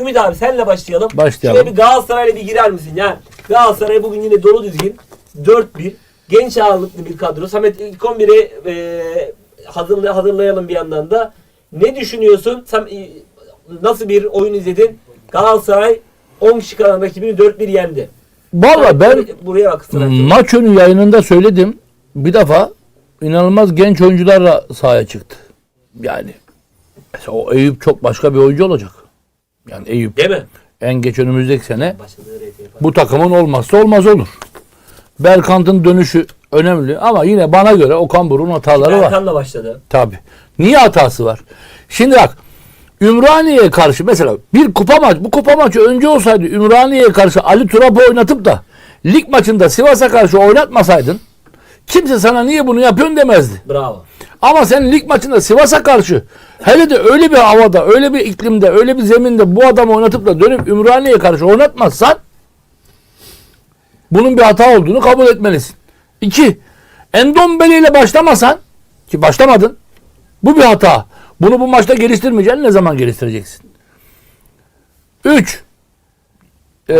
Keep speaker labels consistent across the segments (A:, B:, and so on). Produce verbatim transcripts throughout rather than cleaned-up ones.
A: Ümit abi senle başlayalım.
B: Başlayalım.
A: Şöyle bir Galatasaray'la bir girer misin? Yani Galatasaray bugün yine dolu düzgün. dört bir. Genç ağırlıklı bir kadro. Samet ilk on biri e, hazırlay hazırlayalım bir yandan da. Ne düşünüyorsun? Sen e, nasıl bir oyun izledin? Galatasaray on kişi kalan rakibini dört bir yendi.
B: Valla ben
A: buraya bak,
B: maç önü yayınında söyledim. Bir defa inanılmaz genç oyuncularla sahaya çıktı. Yani mesela o Eyüp çok başka bir oyuncu olacak. Yani Eyüp
A: değil mi?
B: En geç önümüzdeki sene bu takımın olmazsa olmaz olur. Berkant'ın dönüşü önemli ama yine bana göre Okan Buruk'un hataları var.
A: Berkan'la başladı.
B: Tabii. Niye hatası var? Şimdi bak Ümraniye'ye karşı mesela bir kupa maç, bu kupa maçı önce olsaydı Ümraniye'ye karşı Ali Turap'ı oynatıp da lig maçında Sivas'a karşı oynatmasaydın kimse sana niye bunu yapıyorsun demezdi.
A: Bravo.
B: Ama sen lig maçında Sivas'a karşı hele de öyle bir havada, öyle bir iklimde, öyle bir zeminde bu adamı oynatıp da dönüp Ümraniye'ye karşı oynatmazsan bunun bir hata olduğunu kabul etmelisin. İki, Endombele ile başlamasan ki başlamadın, bu bir hata. Bunu bu maçta geliştirmeyeceksin. Ne zaman geliştireceksin? Üç, ee,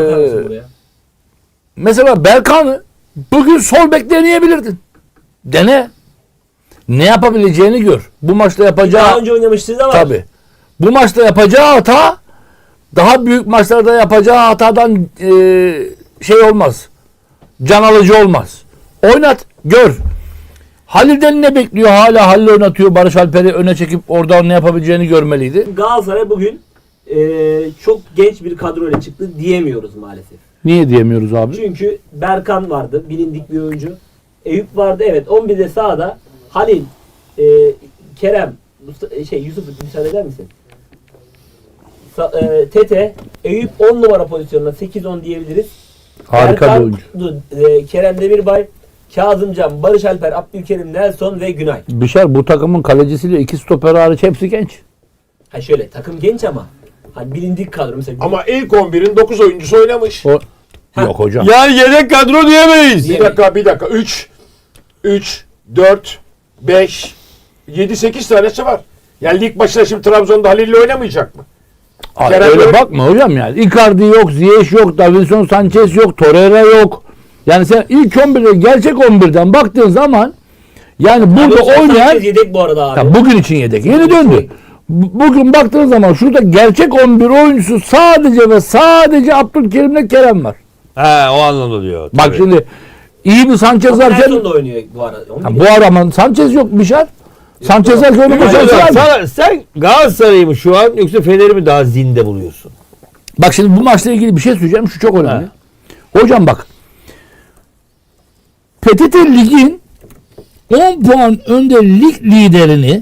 B: mesela Berkan'ı bugün sol bek deneyebilirdin. Dene. Ne yapabileceğini gör. Bu maçta yapacağı...
A: Daha önce oynamıştınız ama...
B: Tabii. Bu maçta yapacağı hata daha büyük maçlarda yapacağı hatadan e, şey olmaz. Can alıcı olmaz. Oynat, gör. Halil'den ne bekliyor? Hala Halil oynatıyor. Barış Alper'i öne çekip oradan ne yapabileceğini görmeliydi.
A: Galatasaray bugün e, çok genç bir kadroyla çıktı diyemiyoruz maalesef.
B: Niye diyemiyoruz abi?
A: Çünkü Berkan vardı. Bilindik bir oyuncu. Eyüp vardı. Evet. on birde sağda Halil, e, Kerem, Mustafa, şey Yusuf müsaade eder misin? Sa, e, Tete, Eyüp on numara pozisyonuna sekiz on diyebiliriz.
B: Harika
A: Berkan,
B: bir oyuncu.
A: E, Kerem Demirbay, Kazımcan, Barış Alper, Abdülkerim, Nelson ve Günay.
B: Bişar bu takımın kalecisiyle iki stoper hariç hepsi genç.
A: Ha şöyle takım genç ama hani bilindik kadro mesela.
C: Ama ilk on birin dokuz oyuncusu oynamış.
B: O... Yok hocam.
D: Yani yedek kadro diyemeyiz.
C: Bir dakika bir dakika. üç, üç, dört, beş, yedi, sekiz tanesi var. Yani lig başında şimdi Trabzon'da Halil'le oynamayacak mı?
B: Abi,
C: Kerem
B: öyle
C: böyle...
B: bakma hocam yani. Icardi yok, Ziyech yok, Davinson Sanchez yok, Torreira yok. Yani sen ilk on birde gerçek on birden baktığın zaman yani burada
A: Davinson
B: oynayan
A: Sanchez yedek bu arada abi.
B: ya bugün için yedek. Yeni döndü. Bugün baktığın zaman şurada gerçek on bir oyuncusu sadece ve sadece Abdülkerim'le Kerem var.
D: He o anlamda diyor.
B: Bak
D: tabii.
B: şimdi iyi bir Sanchez varken
A: Nelson da oynuyor bu arada.
B: ha, bu arama Sanchez yok Bişar. Sanchez varken onu
D: Hocam,
B: başarısı
D: sana, sen Galatasaray'ı mı şu an yoksa Fener'i mi daha zinde buluyorsun?
B: Bak şimdi bu maçla ilgili bir şey söyleyeceğim. Şu çok önemli. He. Hocam bak. P T T Lig'in on puan önde lig liderini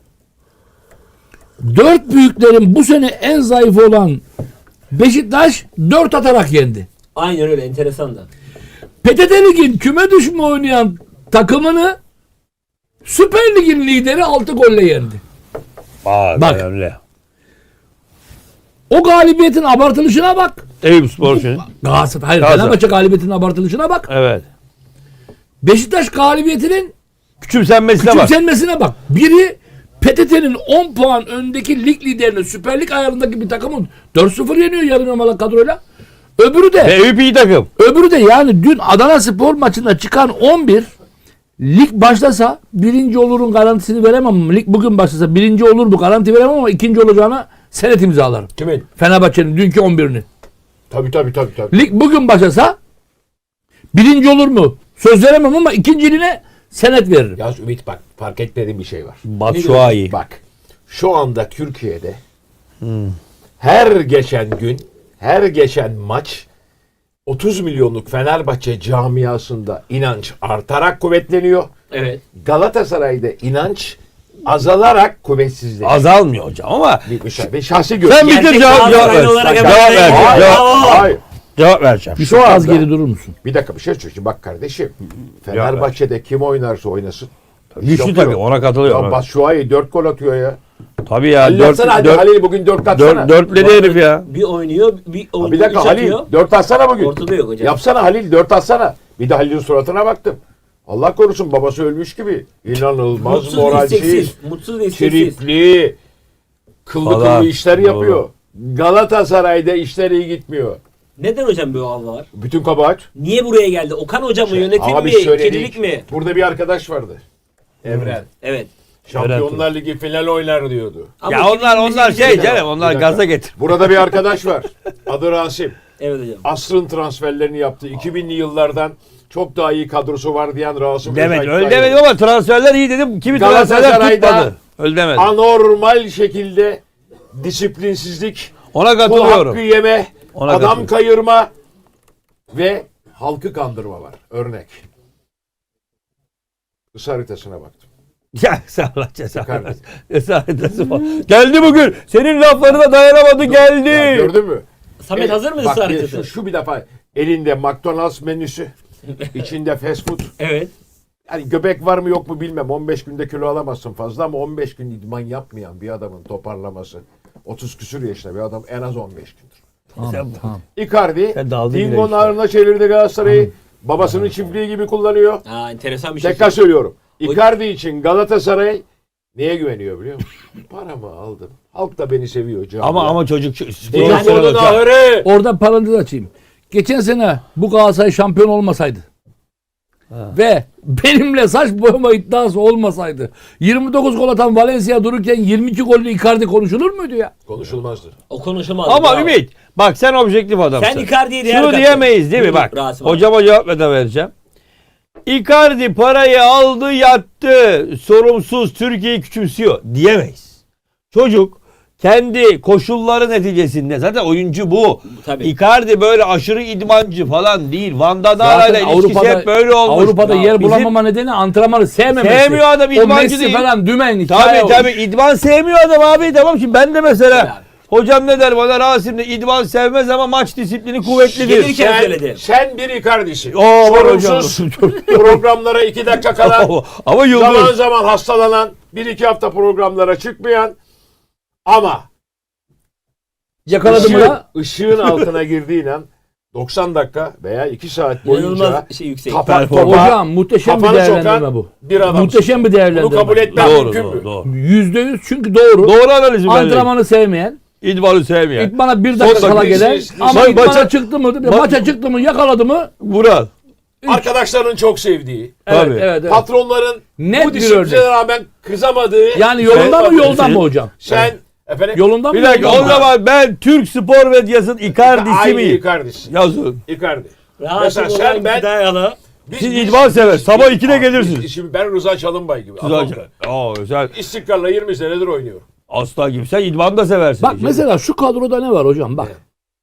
B: dört büyüklerin bu sene en zayıf olan Beşiktaş dört atarak yendi.
A: Aynen öyle, enteresan da.
B: P T T Lig'in küme düşme oynayan takımını Süper Lig'in lideri altı golle yendi.
D: Aa,
B: bak.
D: Önemli.
B: O galibiyetin abartılışına bak.
D: Eyüp Spor için.
B: Galatasaray, hayır,
D: Galatasaray.
B: Fenerbahçe galibiyetinin abartılışına bak.
D: Evet.
B: Beşiktaş galibiyetinin
D: Küçümsenmesine bak.
B: küçümsenmesine bak. Biri P T T'nin on puan öndeki lig liderini Süper Lig ayarındaki bir takımın dört sıfır yeniyor yarım yamalak kadroyla. Öbürü de
D: Ve Eyüp iyi takım.
B: öbürü de yani dün Adana Spor maçında çıkan on bir lig başlasa birinci olurun garantisini veremem. Lig bugün başlasa birinci olur bu garanti veremem ama ikinci olacağına senet imzalarım.
C: Kimin?
B: Fenerbahçe'nin dünkü on birini.
C: Tabii tabii tabii. tabii.
B: Lig bugün başlasa birinci olur mu? Söz veremem ama ikinciliğine senet veririm.
C: Yalnız Ümit bak fark etmediğim bir şey var.
D: Batshuayi.
C: Bak şu anda Türkiye'de hmm. her geçen gün, her geçen maç otuz milyonluk Fenerbahçe camiasında inanç artarak kuvvetleniyor.
A: Evet.
C: Galatasaray'da inanç azalarak kuvvetsizleşiyor.
D: Azalmıyor hocam ama
C: Bir, bir, bir şahsi görüş.
D: sen bitir
A: Gerçek
D: cevap, cevap
A: Galatasaraylı
D: ver.
A: olarak
D: Cevap
A: hemen-
D: ver.
C: Hayır,
D: Cevap,
C: hayır.
D: cevap vereceğim.
B: Bir
C: Şu
B: şu az
C: anda-
B: geri durur musun?
C: Bir dakika bir şey söyleyeyim. Bak kardeşim. Fenerbahçe'de kim oynarsa oynasın.
D: Güçlü
C: Yok,
D: tabii
C: yok.
D: ona katılıyorum.
C: Ya Batshuayi dört gol atıyor ya.
D: Tabii ya.
C: Halil
D: Dört,
C: atsana hadi
D: dört,
C: Halil bugün dört atsana.
D: dört, dörtledi herif ya.
A: Bir oynuyor, bir
C: Ha,
A: oynuyor,
C: bir dakika
A: üç
C: Halil
A: atıyor.
C: dört atsana bugün.
A: Ortada yok hocam.
C: Yapsana Halil dört atsana. Bir de Halil'in suratına baktım. Allah korusun babası ölmüş gibi. İnanılmaz
A: Mutsuz ve
C: moralsiz,
A: isteksiz. Mutsuz ve isteksiz.
C: tripli, kıllı
D: Falan.
C: kıllı işler
D: Doğru.
C: yapıyor. Galatasaray'da işler iyi gitmiyor.
A: Neden hocam böyle hava var?
C: Bütün kabahat.
A: Niye buraya geldi? Okan hocam mı? Yönetim
C: Abi
A: mi?
C: söyledik.
A: Kedilik mi?
C: Burada bir arkadaş vardı. Evren.
A: Evet.
C: Şampiyonlar Ligi final oynar diyordu.
A: Ama
D: Ya
A: kedilik
D: onlar
A: bizim
D: onlar
A: için
D: şey
A: de-
D: canım onlar
C: Bir dakika.
D: gaza getir.
C: Burada bir arkadaş var. Adı Rasim.
A: Evet hocam.
C: Asrın transferlerini yaptı. iki binli yıllardan çok daha iyi kadrosu var diyen Rasim
D: Demet
C: Özay
D: öyle
C: Kutay.
D: demedim ama transferler iyi dedim. Kimi transferler
C: Galatasaray'da
D: tutmadı. Öyle demedim.
C: Anormal şekilde disiplinsizlik,
D: Ona
C: kul
D: katılıyorum.
C: hakkı yeme,
D: Ona
C: adam
D: katılıyorum.
C: kayırma ve halkı kandırma var. Örnek. Kısa haritasına baktım.
D: Ya sen Allah cezanı
C: Icardi.
D: versin. Esaretesi var. Geldi bugün. Senin laflarına dayanamadı geldi.
C: Ya gördün mü?
A: Samet
C: Evet,
A: hazır mısın
C: bak,
A: haritası?
C: Şu, şu bir defa elinde McDonald's menüsü, içinde fast food.
A: Evet.
C: Yani göbek var mı yok mu bilmem. on beş günde kilo alamazsın fazla ama on beş gün idman yapmayan bir adamın toparlaması otuz küsür yaşında bir adam en az on beş gündür.
D: Sen-
B: Tamam.
C: Icardi
D: Sen daldın yine
C: Dingo'nun
D: işte.
C: ağrına çevirdi Galatasaray'ı. Babasının çiftliği gibi kullanıyor.
A: Aa, enteresan bir şey.
C: Tekrar söylüyorum. Icardi için Galatasaray neye güveniyor biliyor musun? Paramı aldım. Halk da beni seviyor. Canım.
D: Ama ama çocuk şu- spor
C: Dingo'nun
D: salonu-
C: ahırı.
B: Orada parantez açayım. Geçen sene bu Galatasaray şampiyon olmasaydı ve benimle saç boyama iddiası olmasaydı yirmi dokuz gol atan Valencia dururken yirmi iki gollü Icardi konuşulur muydu ya?
C: Konuşulmazdı.
A: O konuşulmaz.
D: Ama
A: Bravo.
D: Ümit bak sen objektif adamsın.
A: Sen Icardi'ye değer
D: Şunu
A: kattın.
D: diyemeyiz değil mi?
A: Buyurun,
D: Bak
A: Rasim abi.
D: hocama cevap da vereceğim. Icardi parayı aldı yattı. Sorumsuz Türkiye'yi küçümsüyor diyemeyiz. Çocuk kendi koşulları neticesinde zaten oyuncu bu.
A: Tabii.
D: Icardi böyle aşırı idmancı falan değil. Van Danara
B: Zaten
D: ile ilişkisi
B: Avrupa'da,
D: hep böyle olmuş.
B: Avrupa'da
D: Ya
B: yer
D: bizim-
B: bulamama nedeni antrenmanı sevmemesi.
D: Sevmiyor adam,
B: O
D: idmancı
B: Messi
D: değil.
B: falan dümen hikaye
D: Tabii
B: olmuş.
D: tabii idman sevmiyor adam abi. Tamam şimdi ben de mesela
A: Yani.
D: hocam ne der bana Rasim de idman sevmez ama maç disiplini kuvvetlidir.
A: Gelirken-
C: Sen,
A: söyledi.
C: sen bir Icardi'sin.
D: Oo, var hocam.
C: Sorumsuz programlara iki dakika kala
D: Ama yıldız.
C: zaman zaman hastalanan, bir iki hafta programlara çıkmayan ama
B: Yakaladı mı
C: ışığın,
B: ya?
C: ışığın altına girdiğin an doksan dakika veya iki saat boyunca
A: İnanılmaz şey yüksek.
C: tapa,
D: Performans.
C: topa
B: Hocam muhteşem bir
C: kafanı
B: değerlendirme
C: sokan
B: bu.
C: bir adam.
B: Muhteşem bir değerlendirme.
C: Bunu kabul etmem
D: Doğru
C: mümkün
D: doğru
C: mü?
D: doğru.
B: Yüzde yüz çünkü doğru.
D: Doğru analizim ben.
B: Antrenmanı sevmeyen,
D: İdmanı sevmeyen.
B: idmana bir dakika
C: Son
B: kala
C: dakika
B: gelen
C: siz-
B: ama
D: Ma-
B: idmana
D: maça-
B: çıktı mı,
D: ma-
B: maça çıktı mı, yakaladı mı?
D: Vural.
C: Arkadaşların çok sevdiği,
B: Evet,
D: Tabii.
B: evet, evet.
C: patronların
B: Net
C: bu
B: bir
C: disipline
B: örnek.
C: rağmen kızamadığı.
B: Yani yolunda mı,
C: Sen-
B: yoldan mı hocam?
C: Sen efendim
B: Yolundan mı,
D: Bir dakika
B: yoldan
D: o
B: mı?
D: zaman ben Türk Spor Medyası'nın Icardi'si
C: aynı
D: miyim?
C: Icardi'sin.
D: Yazın.
C: Icardi.
A: Rasim
C: Mesela sen
A: olan
C: ben-
A: Dayalı.
C: Biz,
D: Siz idman sever. Sabah ikide
C: Abi,
D: gelirsiniz.
C: biz- Şimdi ben Rıza Çalınbay gibi.
D: Siz
C: adamım.
D: acayip. Aa, sen
C: İstikrarla yirmi senedir oynuyorum.
D: aslan gibi. Sen idman da seversin.
B: Bak mesela şu kadroda ne var hocam bak.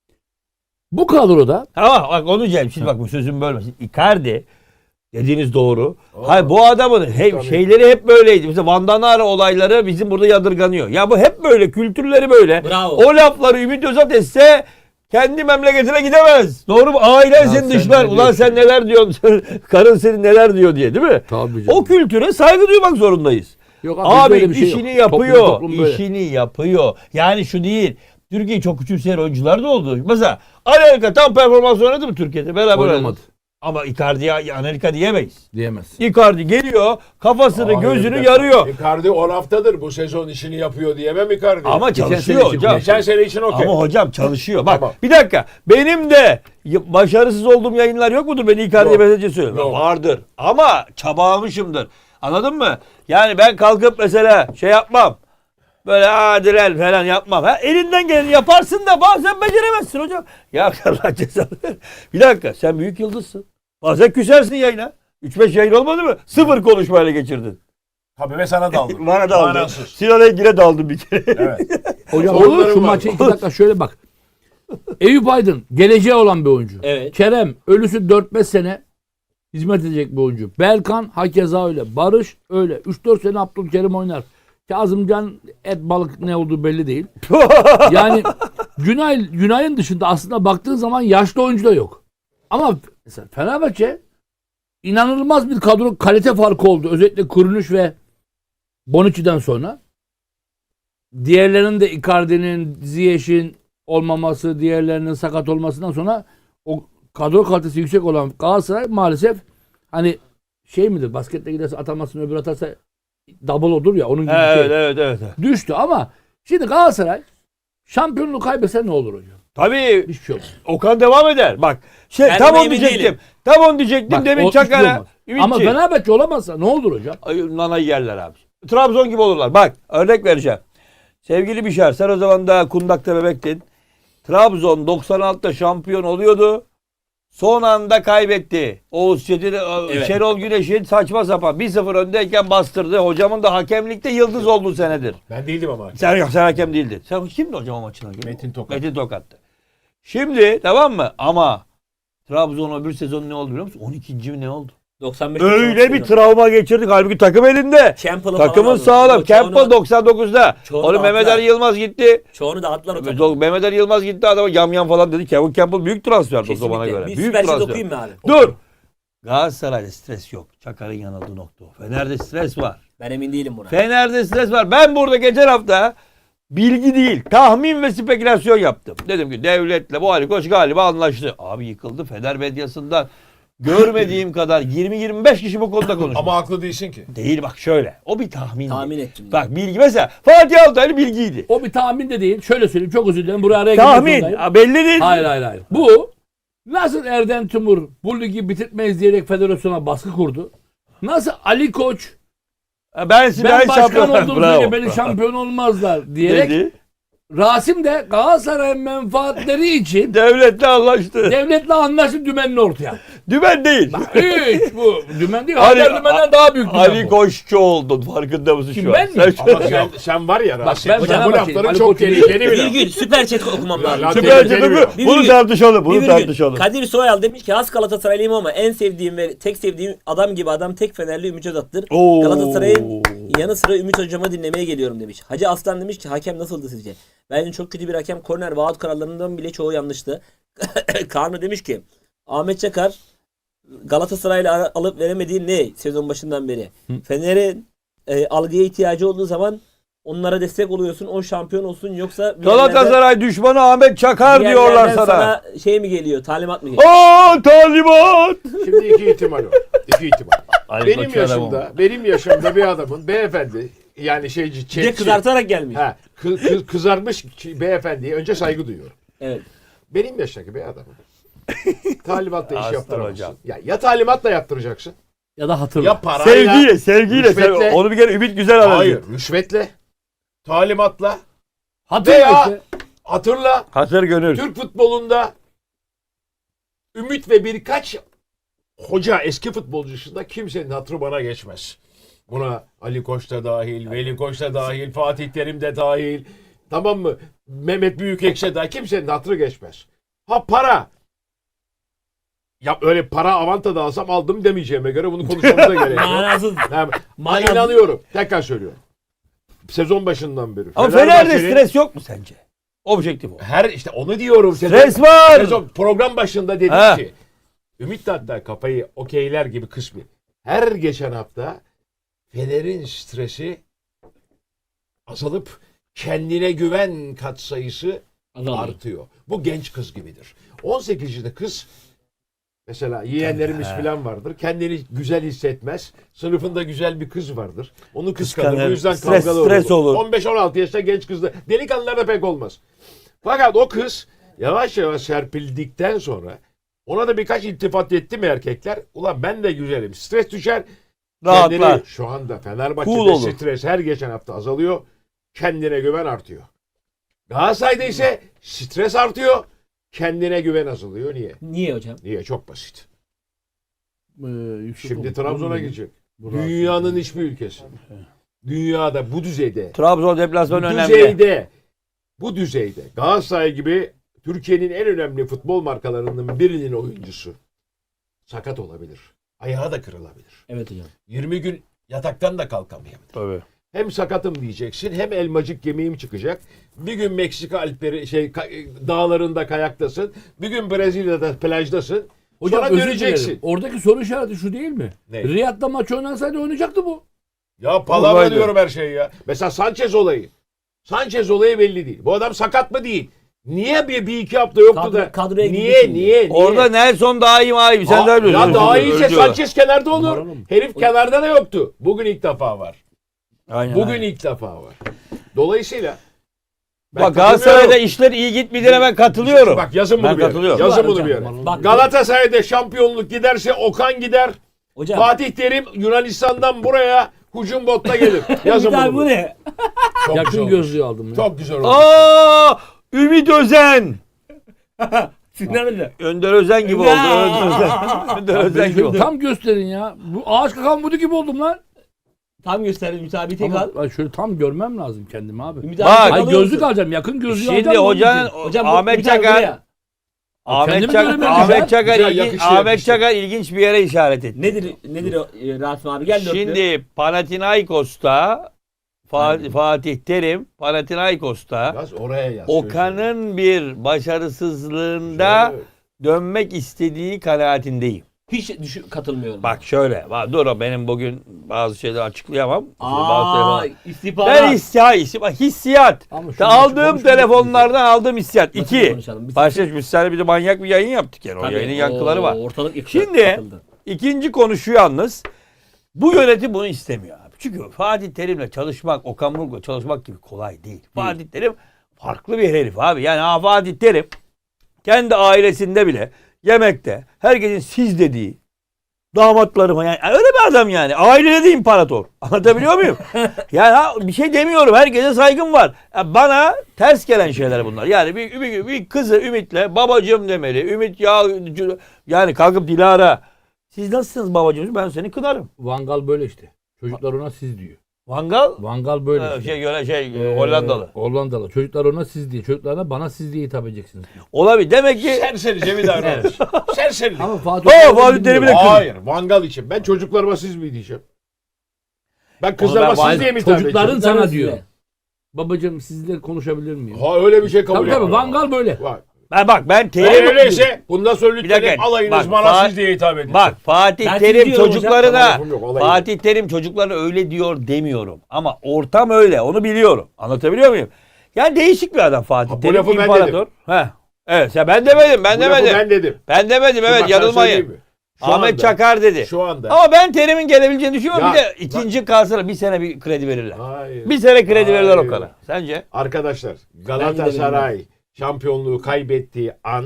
B: Bu kadroda
D: Ama bak onu diyeceğim. Şimdi bak bu sözümü bölmesin. Icardi dediğiniz doğru. Hayır bu adamın hep
C: Tabii.
D: şeyleri hep böyleydi. Mesela Van Danara olayları bizim burada yadırganıyor. Ya bu hep böyle. Kültürleri böyle.
A: Bravo.
D: O lafları Ümit Özat etse kendi memleketine gidemez. Doğru mu? Ailen seni
B: sen
D: dışlar.
B: ne
D: Ulan
B: diyorsun?
D: sen neler diyorsun? Karın senin neler diyor diye değil mi?
B: Tabii
D: O kültüre saygı duymak zorundayız.
B: Yok
D: Abi
B: böyle bir şey
D: işini
B: yok.
D: yapıyor.
B: Toplum- toplum böyle.
D: işini yapıyor. Yani şu değil. Türkiye çok küçümseyen oyuncular da oldu. Mesela Anelka tam performans oynadı mı Türkiye'de? Beraber
B: Oynamadı.
D: oynadı. Ama Icardi'ye Anelka diyemeyiz.
B: Diyemez.
D: Icardi geliyor, kafasını,
C: Hayır, bir
D: gözünü
C: dakika.
D: yarıyor.
C: Icardi on haftadır bu sezon işini yapıyor diyemem Icardi.
D: Ama
B: Geçen
D: çalışıyor
B: sene için
D: hocam.
C: Geçen sene için okey.
D: Ama hocam çalışıyor. Bak
C: Tamam.
D: bir dakika. Benim de y- başarısız olduğum yayınlar yok mudur? Beni Icardi'ye
C: Yok.
D: mesaj söylüyorum.
C: Yok.
D: Vardır. Ama çabalamışımdır. Anladın mı? Yani ben kalkıp mesela şey yapmam. Böyle adiren falan yapmam. Ha, elinden geleni yaparsın da bazen beceremezsin hocam. Ya Allah cezanı ver. Bir dakika sen büyük yıldızsın. Bazen küsersin yayına. üç beş yayın olmadı mı? Sıfır konuşmayla geçirdin.
C: Tabii ve sana daldım.
D: Bana daldı.
C: Manasız.
D: Sinan Engin'e daldım bir kere.
C: Evet.
B: Hocam
C: Sorunlarım
B: olur şu
C: var.
B: maça iki dakika şöyle bak. Eyüp Aydın geleceği olan bir oyuncu.
A: Evet.
B: Kerem ölüsü dört beş sene hizmet edecek bir oyuncu. Berkan hakeza öyle. Barış öyle. üç dört sene Abdülkerim oynar. Kazımcan et balık ne olduğu belli değil. Yani Günay, Günay'ın dışında aslında baktığın zaman yaşlı oyuncu da yok. Ama mesela Fenerbahçe inanılmaz bir kadro kalite farkı oldu. Özellikle Kuruluş ve Bonucci'den sonra. Diğerlerinin de Icardi'nin, Ziyech'in olmaması, diğerlerinin sakat olmasından sonra o kadro kalitesi yüksek olan Galatasaray maalesef hani şey midir baskette giderse atamazsın öbür atarsa double olur ya onun gibi bir
D: evet,
B: şey.
D: evet, evet.
B: Düştü ama şimdi Galatasaray Şampiyonluğu kaybetse ne olur hocam?
D: Tabii
B: Hiçbir şey olmaz.
D: Okan devam eder. Bak şey
A: Ben
D: tam
A: buna
D: onu
A: emin
D: diyecektim.
A: değilim.
D: Tam onu diyecektim
B: Bak,
D: demin
B: o hiçbir şey
D: Çakar'a.
B: olmaz. Ama Fenerbahçe olamazsa ne olur hocam?
D: Ay, nanayı yerler abi. Trabzon gibi olurlar. Bak örnek vereceğim. Sevgili Bişar sen o zaman daha kundakta bebektin. Trabzon doksan altıda şampiyon oluyordu. Son anda kaybetti. Oğuz Çetin,
A: Evet.
D: Şenol Güneş'in saçma sapan bir sıfır öndeyken bastırdı. Hocamın da hakemlikte yıldız olduğu senedir.
C: Ben değildim ama.
D: Sen yok sen hakem değildin. Sen kimdi hocam o maçın hakemi?
C: Metin Tokat.
D: Metin Tokat'tı. Şimdi tamam mı? Ama Trabzon öbür sezon ne oldu biliyor musun? on ikinci mi ne oldu?
A: doksan beş
D: Öyle bir travma geçirdik. Halbuki takım elinde.
A: Campbell'ı
D: Takımın
A: falan
D: sağlam.
A: aldı.
D: Campbell
A: Çoğunu-
D: doksan dokuzda.
A: çoğunu
D: Onu
A: da
D: Mehmet
A: attılar.
D: Ali Yılmaz gitti.
A: Çoğunu dağıttılar o takımı.
D: Mehmet Ali Yılmaz gitti adama yam yam falan dedi. Kevin Campbell büyük transfer o zamana
A: Kesinlikle.
D: göre.
A: Bir
D: Büyük
A: süper şey
D: transfer.
A: okuyayım mı abi?
D: Dur. Galatasaray'da stres yok. Çakar'ın yanıldığı nokta o. Fener'de stres var.
A: Ben emin değilim buna.
D: Fener'de stres var. Ben burada geçen hafta bilgi değil, tahmin ve spekülasyon yaptım. Dedim ki devletle bu Ali Koç galiba anlaştı. Abi yıkıldı. Fener medyasından görmediğim kadar yirmi yirmi beş kişi bu konuda konuşuyor.
C: Ama haklı değilsin ki.
D: Değil bak şöyle. O bir tahmin.
A: Tahmin ettim.
D: Bak bilgi mesela Fatih Altaylı bilgiydi.
B: O bir tahmin de değil. Şöyle söyleyeyim, çok özür dilerim. Buraya araya girmek
D: Tahmin.
B: zorundayım.
D: Ha, belli değil.
B: Hayır hayır hayır. Bu nasıl Erden Timur bu ligi bitirmeyiz diyerek federasyona baskı kurdu. Nasıl Ali Koç
D: Ha, Ben, ben,
B: ben başkan
D: şampiyon-
B: olduğum
D: Bravo.
B: sürece beni şampiyon olmazlar diyerek
D: Dedi.
B: Rasim de Galatasaray'ın menfaatleri için
D: Devletle anlaştı.
B: devletle anlaşıp dümenini ortaya.
D: Dümen değil.
B: Hiç bu dümen değil.
D: Ali-
B: Haber dümenden daha büyük dümen
D: Ali
B: bu.
D: Koççu oldun. Farkında mısın
B: Kim,
D: şu
B: ben
D: an?
B: mi?
D: Sen-
C: Ama sen, sen var ya Rasim.
B: ben
C: bu
B: Fenerbahçeliyim.
C: lafların
B: Ali
C: çok
B: Koç'un
C: tehlikeli bir
A: Bir
C: laf.
A: gün süper chat okumam lazım.
C: La-
D: Süper
C: tehlikeli bir
D: Chat'ı-
C: laf.
A: Bir
D: bunu
A: gün-
D: tartışalım.
A: Bir
D: Bunu
A: gün
D: tartışalım.
A: Kadir Soyal demiş ki has Galatasaraylıyım ama en sevdiğim ve tek sevdiğim adam gibi adam tek Fenerli Ümit Özat'tır.
D: Oo.
A: Galatasaray'ın yanı sıra Ümit Hocam'ı dinlemeye geliyorum demiş. Hacı Aslan demiş ki hakem nasıldı sizce? Bence çok kötü bir hakem. Korner ve out kararlarından bile çoğu yanlıştı. Karnı demiş ki Ahmet Çakar Galatasaray'la alıp veremediği ne sezon başından beri? Fener'in e, algıya ihtiyacı olduğu zaman onlara destek oluyorsun. O şampiyon olsun yoksa bir yerlerden-
D: Galatasaray düşmanı Ahmet Çakar
A: bir
D: diyorlar
A: yerlerden
D: sana.
A: şey mi geliyor? Talimat mı geliyor?
D: Aa talimat.
C: Şimdi iki ihtimal var. İki ihtimal.
D: Ali
C: benim
D: Koç'u adam
C: yaşımda, benim yaşımda bir adamın beyefendi yani şeyci,
A: Bir de
C: çetçi,
A: kızartarak gelmiş.
C: ha, kı- kı- kızarmış ki- beyefendiye önce saygı duyuyorum.
A: Evet.
C: Benim yaştaki bir adamın talimatla iş
D: Aslan
C: yaptıramazsın.
D: hocam.
C: Ya, ya talimatla yaptıracaksın
B: Ya da hatırla.
C: ya parayla.
D: Sevgiyle, sevgiyle.
C: rüşvetle-
D: Sev- Onu bir kere Ümit güzel anladı.
C: Hayır, rüşvetle, talimatla,
B: hatırla
C: veya
B: işte.
C: hatırla
D: Hatır gönül.
C: Türk futbolunda Ümit ve birkaç hoca eski futbolcu dışında kimsenin hatırı bana geçmez. Buna Ali Koç da dahil, Veli Koç da dahil, Fatih Terim de dahil. Tamam mı? Mehmet Büyükekşi de kimsenin hatırı geçmez. Ha para. Ya öyle para avanta da alsam aldım demeyeceğime göre bunu konuşmamıza gerek yok.
A: Manasız.
C: Yani, ben
A: Manasız.
C: inanıyorum. Tekrar söylüyorum. Sezon başından beri.
D: Ama Fener'de
C: Fenerbahçe'nin-
D: stres yok mu sence? Objektif o.
C: Her işte onu diyorum.
D: Stres var.
C: Sezon program başında dedim
D: Ha.
C: ki Ümit de hatta kafayı okeyler gibi kısmı. Her geçen hafta Fener'in stresi azalıp kendine güven katsayısı artıyor. Bu genç kız gibidir. on sekiz yaşında kız mesela yeğenlerimiz falan vardır. Kendini güzel hissetmez. Sınıfında güzel bir kız vardır. Onu kıskanır.
D: Kıskanır.
C: Bu yüzden
D: Stres-
C: kavgalı
D: stres olur.
C: on beş on altı yaşta genç kızda. Delikanlılarda pek olmaz. Fakat o kız yavaş yavaş serpildikten sonra ona da birkaç iltifat etti mi erkekler? Ulan ben de güzelim. Stres düşer.
D: Rahatlar.
C: Kendini, şu anda Fenerbahçe'de
D: Cool olur.
C: stres her geçen hafta azalıyor. Kendine güven artıyor. Galatasaray'da ise stres artıyor. Kendine güven azalıyor. Niye?
A: Niye hocam?
C: Niye? Çok basit.
B: Ee, Yusuf
C: Şimdi
B: oğlum,
C: Trabzon'a
B: oğlum,
C: gidecek.
B: bu
C: Dünyanın
B: Rasim.
C: hiçbir ülkesi. Dünyada bu düzeyde,
D: Trabzon
C: bu
D: deplasmanı önemli.
C: düzeyde, bu düzeyde Galatasaray gibi Türkiye'nin en önemli futbol markalarının birinin oyuncusu sakat olabilir. Ayağı da kırılabilir.
A: Evet hocam.
C: yirmi gün yataktan da kalkamayabilir.
D: Tabii.
C: Hem sakatım diyeceksin, hem elmacık gemiğim çıkacak. Bir gün Meksika Alpleri şey ka- dağlarında kayaktasın. Bir gün Brezilya'da plajdasın.
B: Hocam
C: Sonra
B: özür
C: döneceksin.
B: dilerim. Oradaki soru işareti şu değil mi?
C: Ne?
B: Riyad'da maç oynansaydı oynayacaktı bu.
C: Ya palavra
D: Olaydı.
C: diyorum her şeyi ya. Mesela Sanchez olayı. Sanchez olayı belli değil. Bu adam sakat mı değil? Niye bir, bir iki hafta yoktu
A: Kadro-
C: da?
A: kadroya girdi
C: niye,
A: şimdi.
C: niye, niye?
D: Orada Nelson daha iyi abi. Sen
C: Ha,
D: daha biliyorsun.
C: ya daha iyiyse
D: Öldü.
C: Sanchez kenarda olur.
B: Numaralı mı?
C: Herif kenarda da yoktu. Bugün ilk defa var.
D: Aynen,
C: Bugün
D: aynen.
C: ilk defa var. Dolayısıyla Ben
D: Bak Galatasaray'da
C: katılıyorum.
D: işler iyi gitmediğine ben katılıyorum.
C: Bak yazın bunu
D: Ben
C: bir yere.
D: katılıyorum.
C: Yazın
A: Var
C: bunu
A: hocam.
C: bir yere.
A: Bak-
C: Galatasaray'da şampiyonluk giderse Okan gider.
A: Hocam.
C: Fatih Terim Yunanistan'dan buraya hücum botta gelir. Yazın
A: Bir daha
C: bunu.
A: bu ne?
C: Çok güzel
B: Yakın
C: olmuş.
B: gözlüğü aldım ya.
C: Çok güzel oldu.
D: Aa! Ümit Özen.
A: Sinan da.
D: Önder Özen gibi oldu.
A: Ya.
D: Önder Özen. Önder Özen gibi oldu.
B: Tam gösterin ya. Bu ağaç kakan budu gibi oldum lan.
A: Tam gösterdi müsaade tek
B: Ama
A: al.
B: ben şöyle tam görmem lazım kendimi abi.
A: Ümit
D: Bak.
A: abi tek
B: Ay
A: alıyor
B: gözlük
A: musun?
B: alacağım. Yakın gözlüğü
D: Şimdi
B: alacağım.
D: hocanın
A: Hocam bu
D: Ahmet
A: Ümit abi
D: Çakar
A: buraya.
D: Ahmet
B: Kendimi
D: Çakar
B: göremiyorum
D: Ahmet
B: ya.
D: Çakar
C: Güzel,
D: ilgin-
C: yakıştı,
D: Ahmet
C: yakıştı.
D: Çakar ilginç bir yere işaret etti.
A: Nedir nedir o e, Rasim abi gel dörtlü.
D: Şimdi Panathinaikos'ta Fa- Fatih Terim Panathinaikos'ta
C: Yaz oraya yaz.
D: Okan'ın bir başarısızlığında
C: Şöyle.
D: dönmek istediği kanaatindeyim.
A: Hiç düşün, katılmıyorum.
D: Bak şöyle. Bak, dur o benim bugün bazı şeyleri açıklayamam. Bazı
A: Aa,
D: telefon-
A: istihbarat.
D: Ben hissiyat, hissiyat, hissiyat.
B: Ama şunu
D: Ta
B: açık
D: aldığım
B: konuşmayalım.
D: telefonlardan aldığım hissiyat.
A: Nasıl
D: İki.
A: konuşalım? Biz-
D: Başka bir sene bir de manyak bir yayın yaptık yani. O
A: Tabii,
D: yayının yankıları var.
A: oo, Ortalık yıkıldı.
D: Şimdi
A: katıldı.
D: ikinci konu şu yalnız. Bu yönetim bunu istemiyor abi. Çünkü Fatih Terim'le çalışmak, Okan Buruk'la çalışmak gibi kolay değil. Fatih Terim farklı bir herif abi. Yani ha, Fatih Terim kendi ailesinde bile yemekte herkesin siz dediği damatlarıma yani öyle bir adam yani. Ailede de imparator. Anlatabiliyor muyum? Yani ha, bir şey demiyorum. Herkese saygım var. Ya bana ters gelen şeyler bunlar. Yani bir, bir, bir kızı Ümit'le babacığım demeli. Ümit ya yani kalkıp Dilara siz nasılsınız babacığım? Ben seni kınarım.
B: Vangal böyle işte. Çocuklar ona siz diyor.
D: Vangal
B: Vangal böyle
D: e,
B: işte.
D: şey göre şey
B: Ee,
D: Hollandalı.
B: Hollandalı. Çocuklar ona siz diye. Çocuklarına bana siz diye hitap edeceksiniz.
D: Olabilir. Demek ki
C: Serserice bir davranış. Serserilik.
B: Ama Fatih
D: Oo,
B: Hoca'yı
D: Fatih
B: bilmiyorum.
D: Terim'i de-
C: Hayır. Vangal için. Ben çocuklarıma siz mi diyeceğim? Ben kızlarıma
D: ben-
C: siz diye mi hitap
B: Çocukların
C: edeceğim?
B: sana
A: Çocukların
B: diyor.
A: size.
B: Babacığım sizle konuşabilir miyim?
C: Ha öyle bir şey kabul
B: Tabii tabii
C: etmiyorum.
B: Vangal böyle.
C: Var.
D: ben bak ben
C: Eğer
D: Terim
C: öyleyse bundan sonra
D: Bir
C: lütfen
D: dakika,
C: alayınız
D: bak,
C: bana
D: Fa-
C: siz diye hitap edin.
D: bak Fatih
A: Ben
D: Terim
A: siz diyorum hocam.
D: çocuklarına
C: Tamam, lafım yok, olayı
D: Fatih Terim çocuklarına öyle diyor demiyorum. Ama ortam öyle. Onu biliyorum. Anlatabiliyor muyum? Yani değişik bir adam Fatih
C: Ha, bu
D: Terim.
C: lafı ben
D: imparator. Heh. Evet. Ya ben demedim. Ben
C: Bu lafı
D: demedim. Ben,
C: ben dedim.
D: demedim.
C: Bak,
D: Evet
C: ben
D: yanılmayın.
C: söyleyeyim mi? Şu
D: Ahmet
C: anda-
D: Çakar dedi.
C: Şu anda.
D: Ama ben Terim'in gelebileceğini düşünüyorum.
C: Ya,
D: bir de ikinci kalsana bir sene bir kredi verirler.
C: Hayır.
D: Bir sene kredi verirler o
C: Hayır.
D: kadar. Sence?
C: Arkadaşlar Galatasaray şampiyonluğu kaybettiği an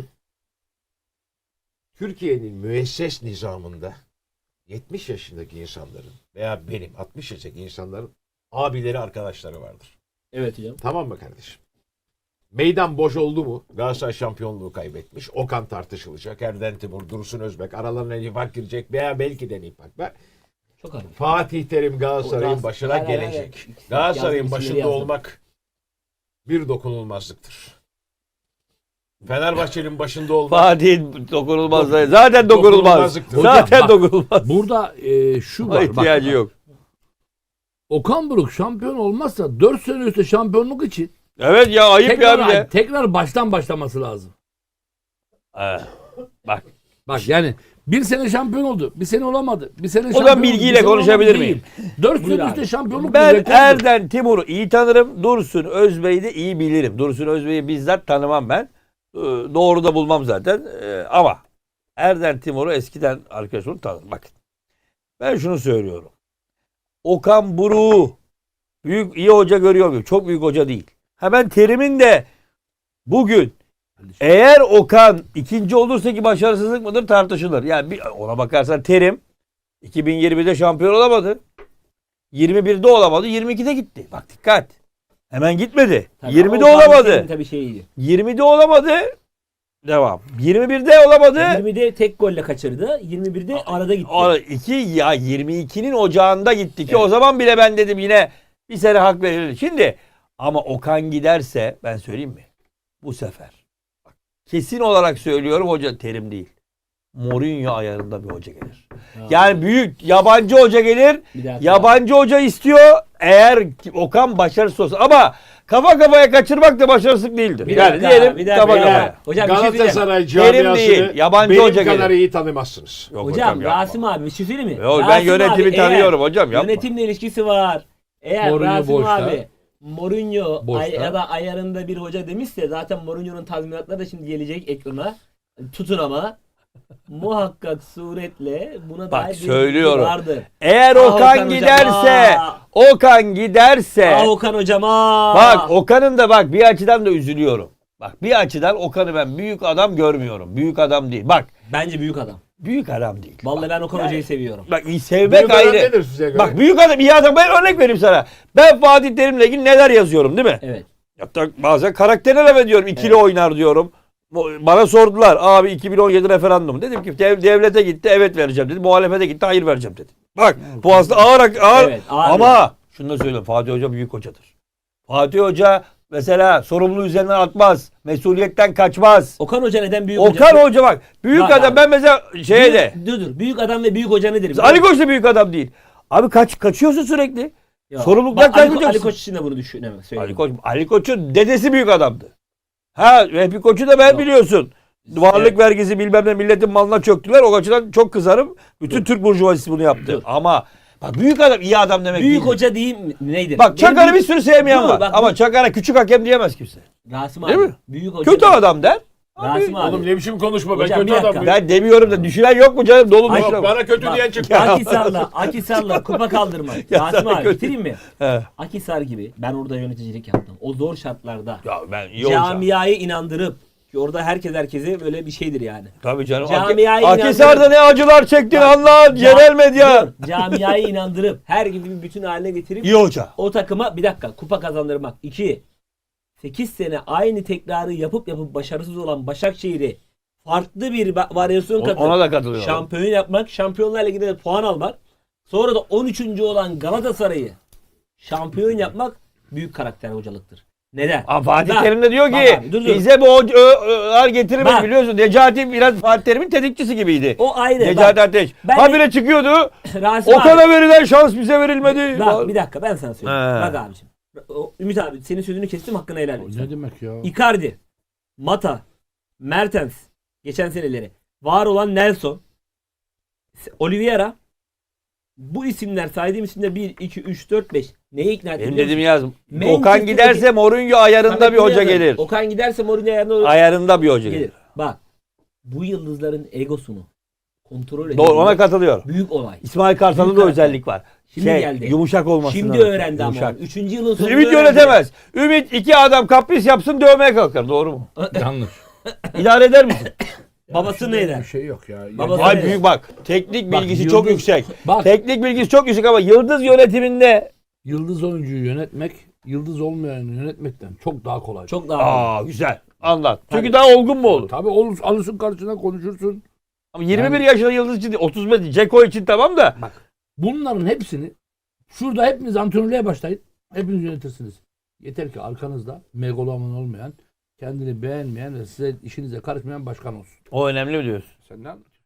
C: Türkiye'nin müesses nizamında yetmiş yaşındaki insanların veya benim altmış yaşındaki insanların abileri arkadaşları vardır.
A: Evet hocam.
C: Tamam mı kardeşim? Meydan boş oldu mu? Galatasaray şampiyonluğu kaybetmiş. Okan tartışılacak. Erden Timur, Dursun Özbek. Aralarına nifak girecek veya belki de nifak var.
A: Çok hafif.
C: Fatih Terim Galatasaray'ın
A: O
C: başına
A: Hayır, hayır,
C: gelecek.
A: hayır.
C: Galatasaray'ın
A: Yazdım,
C: başında
A: isimleri yazdım.
C: olmak bir dokunulmazlıktır. Fenerbahçe'nin başında olmak
D: Fatih dokunulmaz. Zaten dokunulmaz.
C: Dokunulmazlıktır.
D: Zaten
B: Bak,
D: dokunulmaz.
B: Burada e, şu var.
D: İhtiyacı
B: bak,
D: yok.
B: Okan Buruk şampiyon olmazsa dört sene üstte şampiyonluk için
D: Evet ya ayıp
B: tekrar,
D: ya bir de.
B: tekrar baştan başlaması lazım.
D: Ee, bak
B: Bak yani bir sene şampiyon oldu. Bir sene olamadı. Bir sene
D: O
B: şampiyon
D: zaman
B: oldu,
D: bilgiyle
B: bir sene
D: konuşabilir
B: olamadı
D: miyim?
B: değil. Dört
A: Buyur
B: sene
A: abi.
B: üstte şampiyonluk
D: ben
B: bir rekordur.
D: Erden Timur'u iyi tanırım. Dursun Özbey'i de iyi bilirim. Dursun Özbey'i bizzat tanımam ben. Ee, Doğru da bulmam zaten. Ee, Ama Erden Timur'u eskiden arkadaşım tanırım. Bakın ben şunu söylüyorum. Okan Buruk'u büyük iyi hoca görüyor muyum? Çok büyük hoca değil. Ha ben Terim'in de bugün eğer Okan ikinci olursa ki başarısızlık mıdır tartışılır. Yani bir, ona bakarsan Terim iki bin yirmide şampiyon olamadı. yirmi birde olamadı. yirmi ikide gitti. Bak dikkat. Hemen gitmedi.
A: Tabii
D: yirmide
A: ama o Fatih
D: olamadı.
A: Terim'in Tabii şeyiydi.
D: yirmide olamadı. Devam. yirmi birde olamadı.
A: yirmide tek golle kaçırdı. yirmi birde arada gitti.
D: Ara- iki ya yirmi ikinin ocağında gitti ki o zaman bile ben dedim yine bir sene hak verilir. Şimdi ama Okan giderse ben söyleyeyim mi? Bu sefer bak, kesin olarak söylüyorum hoca Terim değil. Mourinho ayarında bir hoca gelir.
A: Ha.
D: Yani büyük yabancı hoca gelir.
A: Bir daha-
D: Yabancı hoca istiyor eğer Okan başarısız olsa. Ama kafa kafaya kaçırmak da başarısızlık değildir.
A: Bir
D: yani
A: dakika,
D: diyelim
A: bir dakika
D: kafa
A: ya.
D: kafaya.
A: Hocam bir şey söyleyeyim.
C: Galatasaray
D: Terim değil,
C: camiasını
D: yabancı
C: benim
D: hoca
C: kadar
D: gelir.
C: iyi tanımazsınız.
D: Yok
A: Hocam
D: yapma.
A: Rasim abi bir şey söyleyeyim mi?
D: Yok, ben
A: Rasim
D: yönetimi
A: abi,
D: tanıyorum
A: eğer
D: hocam, yapma.
A: Yönetimle ilişkisi var. Eğer
B: Mourinho
A: Rasim
B: boşta.
A: abi Mourinho
B: Boşta.
A: ay, ya da ayarında bir hoca demişse zaten Mourinho'nun tazminatları da şimdi gelecek ekrana. Tutun ama. muhakkak suretle buna
D: Bak,
A: dair bir
D: söylüyorum.
A: bilgi vardır.
D: Eğer
A: Ah
D: Okan
A: Okan hocam,
D: giderse,
A: ah.
D: Okan giderse,
A: Ah Okan hocama.
D: bak Okan'ın da bak bir açıdan da üzülüyorum. Bak bir açıdan Okan'ı ben büyük adam görmüyorum. Büyük adam değil. Bak
A: Bence büyük adam.
D: büyük adam değil.
A: Vallahi ben Okan
D: Yani-
A: hocayı seviyorum.
D: Bak iyi sevmek
C: Büyük adam
D: ayrı.
C: nedir size göre?
D: Bak büyük adam iyi adam. Ben örnek vereyim sana. Ben Fatih Terim'le ilgili neler yazıyorum değil mi?
A: Evet.
D: Hatta bazen karakterine laf ediyorum. İkili oynar diyorum. Bana sordular. Abi iki bin on yedi referandum. Dedim ki dev- devlete gitti evet vereceğim dedi. Muhalefete gitti hayır vereceğim dedi. Bak bu aslında ağır ağır.
A: Evet, ağır.
D: Ama şunu da söyleyeyim. Fatih Hoca büyük hocadır. Fatih Hoca mesela sorumluluğu üzerinden atmaz. Mesuliyetten kaçmaz.
A: Okan Hoca neden büyük
D: Okan
A: hoca?
D: Hoca bak. Büyük
A: Bak
D: adam
A: abi.
D: ben mesela şeye de.
A: Büyük- Dur dur. Büyük adam ve büyük hoca nedir? biliyor
D: Ali
A: musun?
D: Koç da büyük adam değil. Abi kaç kaçıyorsun sürekli.
A: Ya,
D: sorumluluktan
A: bak, Ali, Ko-
D: kaçmayacaksın.
A: Ali Koç için de bunu düşünemem.
D: Ali Koç, Ali Koç'un dedesi büyük adamdı. Ha, Vehbi Koç'u da ben
A: Yok.
D: biliyorsun. Varlık
A: Evet.
D: vergisi bilmem ne milletin malına çöktüler. O açıdan çok kızarım. Bütün Türk burjuvazisi bunu yaptı.
A: Dur.
D: Ama bak büyük adam iyi adam demek
A: Büyük
D: değil.
A: hoca değil mi? Neydi?
D: Bak Çakar'ı bir sürü sevmeyen
A: Dur,
D: var.
A: bak,
D: Ama
A: bu-
D: Çakar'a küçük hakem diyemez kimse.
A: Rasim
D: Değil
A: abi.
D: mi?
A: Büyük hoca.
D: Kötü
A: değil.
D: adam der. Abi,
A: Rasim abi.
C: Oğlum ne biçim konuşma ben
A: Hocam,
C: kötü
A: bir dakika.
C: adamım.
D: ben demiyorum da düşünen yok mu canım? Dolu
A: Ay,
D: düşünen.
C: Bana kötü
A: Bak,
C: diyen çıktı.
A: Akisar'la, Akisar'la kupa kaldırmak.
D: Ya
A: Rasim
D: sana
A: abi
D: kötü.
A: bitireyim mi?
D: He.
A: Akisar gibi ben orada yöneticilik yaptım. O zor şartlarda
D: Ya ben iyi olacağım.
A: camiayı inandırıp ki orada herkes herkese böyle bir şeydir yani.
D: Tabii canım.
A: Camiayı
D: Ak- Akhisar'da
A: inandırıp-
D: ne acılar çektin
A: Bak,
D: anla yerel medya.
A: Dur, camiayı inandırıp her gibi bir bütün haline getirip
D: İyi hoca.
A: o takıma bir dakika kupa kazandırmak. İki, sekiz sene aynı tekrarı yapıp yapıp başarısız olan Başakşehir'i farklı bir va- varyasyon
D: O-
A: katıp
D: Ona da katılıyorum.
A: şampiyon yapmak, Şampiyonlar Ligi'nde de puan almak, sonra da on üçüncü olan Galatasaray'ı şampiyon yapmak büyük karakter hocalıktır. Neden?
D: Ama Fatih
A: Bak,
D: Terim de diyor
A: bak
D: ki
A: abi, dur, dur.
D: bize bu hocalar getirmedi
A: Bak.
D: biliyorsun. Necati biraz Fatih Terim'in tetikçisi gibiydi.
A: O ayrı.
D: Necati
A: Bak,
D: Ateş.
A: ben-
D: Habire çıkıyordu.
A: Rasim abi.
D: Okan'a verilen şans bize verilmedi.
A: Bak bir dakika ben sana söyleyeyim.
D: He.
A: Bak abiciğim. O, Ümit abi senin sözünü kestim hakkını helal et.
B: Ne demek ya?
A: Icardi, Mata, Mertens, geçen seneleri, var olan Nelson, Oliveira, bu isimler saydığım isimler bir, iki, üç, dört, beş. Neye ikna etti?
D: Benim
A: biliyor
D: dedim
A: musun?
D: yaz.
A: Manchester'daki-
D: Okan giderse Mourinho ayarında
A: Samet
D: bir hoca
A: bunu yazar.
D: gelir.
A: Okan giderse Mourinho ayarında olur.
D: Ayarında bir hoca
A: gelir.
D: gelir.
A: Bak bu yıldızların egosunu kontrol edin.
D: Doğru ona katılıyorum.
A: Büyük olay.
D: İsmail Kartal'da
A: Büyük
D: da
A: karakter.
D: özellik var.
A: Şimdi
D: şey,
A: geldi.
D: Yumuşak olması
A: Şimdi
D: lazım.
A: öğrendi ama.
D: Yumuşak.
A: onu. Üçüncü yılın sonunda
D: Ümit
A: öğrendi.
D: yönetemez. Ümit iki adam kapris yapsın dövmeye kalkar. Doğru mu?
B: Yanlış.
D: İdare eder misin?
A: Babası
B: Bir
A: neydi?
B: şey yok ya.
A: Babası-
D: Ay
A: Evet.
D: büyük bak. Teknik
B: Bak,
D: bilgisi
B: Yıldız-
D: çok yüksek.
B: Bak
D: Teknik bilgisi çok yüksek ama yıldız yönetiminde
B: yıldız oyuncuyu yönetmek yıldız olmayanı yönetmekten çok daha kolay.
A: Çok daha.
D: aa güzel. Anlat. Çünkü
A: Tabii.
D: daha olgun mu olur?
B: Tabii olur, alırsın karşına konuşursun.
D: Ama yirmi bir
B: Yani-
D: yaşında yıldız için değil, otuz beş Ceko için tamam da.
B: Bunların hepsini şurada hepiniz antrenörlüğe başlayın. Hepiniz yönetirsiniz. Yeter ki arkanızda megaloman olmayan, kendini beğenmeyen ve size işinize karışmayan başkan olsun.
D: O önemli mi diyorsun?
B: Sen ne anlatıyorsun?